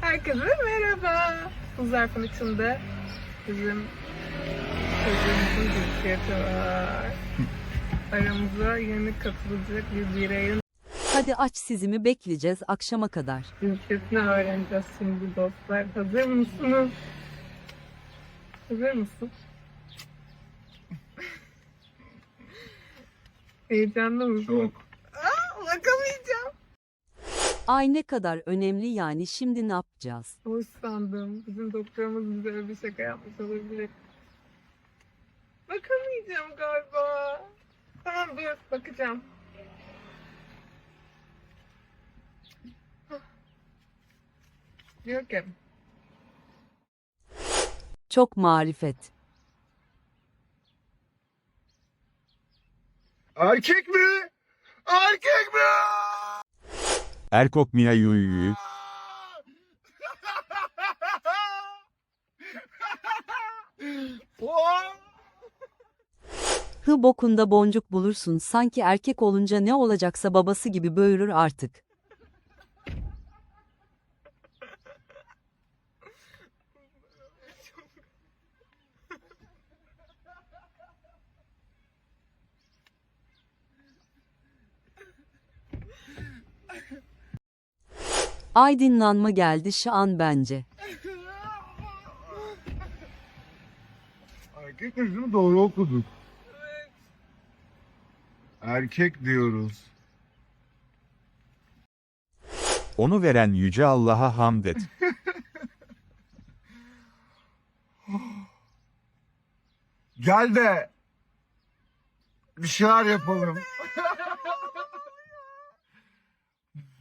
Herkese merhaba. Bu zarfın içinde bizim çocuğumuzun cinsiyeti var. Aramıza yeni katılacak bir bireyin Hadi aç, sizi mi bekleyeceğiz akşama kadar? cinsiyetini öğreneceğiz şimdi dostlar. Hazır mısınız? Hazır mısın? Heyecanlı mısın? Çok. Bakamayacağım. Ay ne kadar önemli yani, şimdi ne yapacağız? Hoş sandım. Bizim doktorumuz bize öyle bir şaka yapmış olabilir. Bakamayacağım galiba. Tamam dur bakacağım. Diyor ki Çok marifet. Erkek mi? Erkek mi? Erkok Mia Yuyu. Hı bokunda boncuk bulursun, sanki erkek olunca ne olacaksa babası gibi böğürür artık. Aydınlanma geldi şu an bence. Erkek mi? Değil mi? Doğru okuduk. Erkek diyoruz. Onu veren Yüce Allah'a hamd et. Gel de bir şeyler yapalım.